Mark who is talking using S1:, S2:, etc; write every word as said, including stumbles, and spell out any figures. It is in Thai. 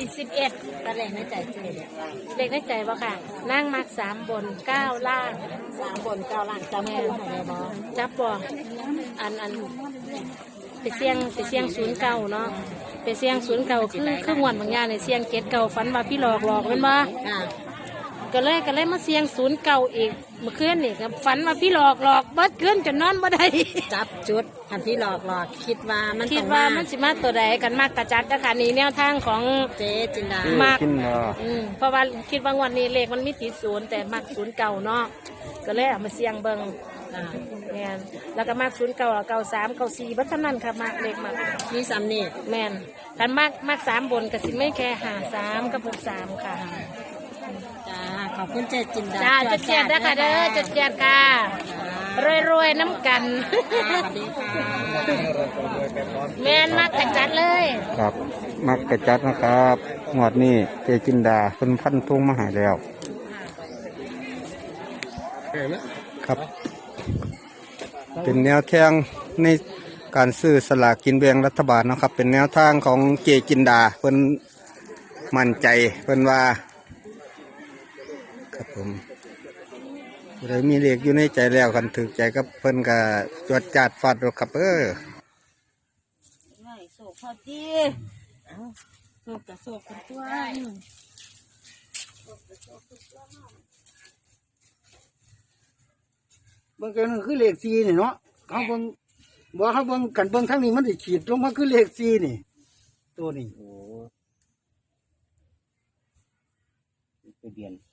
S1: สิบเอ็ด
S2: ตะเลงในใจเจ๊เนี่ย
S1: เลขในใจบ่ค่ะนั่งมักสามบนเก้าล่าง
S2: สามบนเก้าล่างจำคู่ให้เลยบอ
S1: จับบ่อันอันไปเสี่ยงไปเสี่ยงศูนย์เก่าเนาะไปเสี่ยงศูนย์เก่าคือคือหวนบางอย่างในเสี่ยงเจ็ดเก่าฝันว่าพี่หลอกหลอกเป็นบ่
S2: ค่ะ
S1: ก็เลยก็เลยมาเสี่ยงศูนย์เก่าอีกเมื่อคืนนี่ครับฝันว่าพี่หลอกหลอกเบิดคืนจนนอนบ่ได้
S2: จับจุดอันที่หลอกหลอกคิดว่ามัน
S1: คิ
S2: ต้
S1: ด
S2: อง
S1: ว่า
S2: มา
S1: มันสิมาตัวใดกันมากกระจัดนะคะนี่แนวทางของ
S2: เจ๊จินดา
S1: มาก
S3: กินเนาะ
S1: อืมเพราะว่าคิดว่างวันนี้เลขมันมีติดศูนย์แต่มักศูนย์เก่าเนาะก็เลยเอามาเสี่ยงเบิ่ง
S2: อ่า
S1: แม่นแล้วก็มักศูนย์เก่าเก่าสามเก่าสี่บัดเท่านั้นค่ะมักเลขมัก
S2: มีสำเนียง
S1: แม่นกันมักมักสามบนก็สิไม่แค่หาสามกับหกสามค่ะ
S2: จ้าขอบคุณเจ๊จินดา
S1: จ้าจุดเจียดนะคะเด้อจุดเจียดค่ะรวยรวยๆน้ำกัน
S2: สวัสดีค่ะ
S1: แม่นมักกระจัดเลย
S3: ครับมักกระจัดนะครับงวดนี้เจจินดาเป็นพันทุ่งมาใหายแล้วครับ เป็นแนวทางในการซื้อสลากกินแบ่งรัฐบาลนะครับ เป็นแนวทางของเจจินดาเพิ่นมั่นใจเพิ่นว่าครับผมเลยมีเลขอยู่ในใจแล้วกันถึกใจกับเพิ่นก็จวดจัดฟาดรถครับเออ
S2: ไม่โศกพอดีเอาโศกกับโศกกันตัว
S4: เบิ่งกันมันคือเลขสี่นี่เนาะเขาเบิ่งบอกเขาเบิ่งกันเบิ่งทั้งนี้มันสิขีดลงมาคือเลขสี่นี่ ตัวนี้
S3: ทะเบียน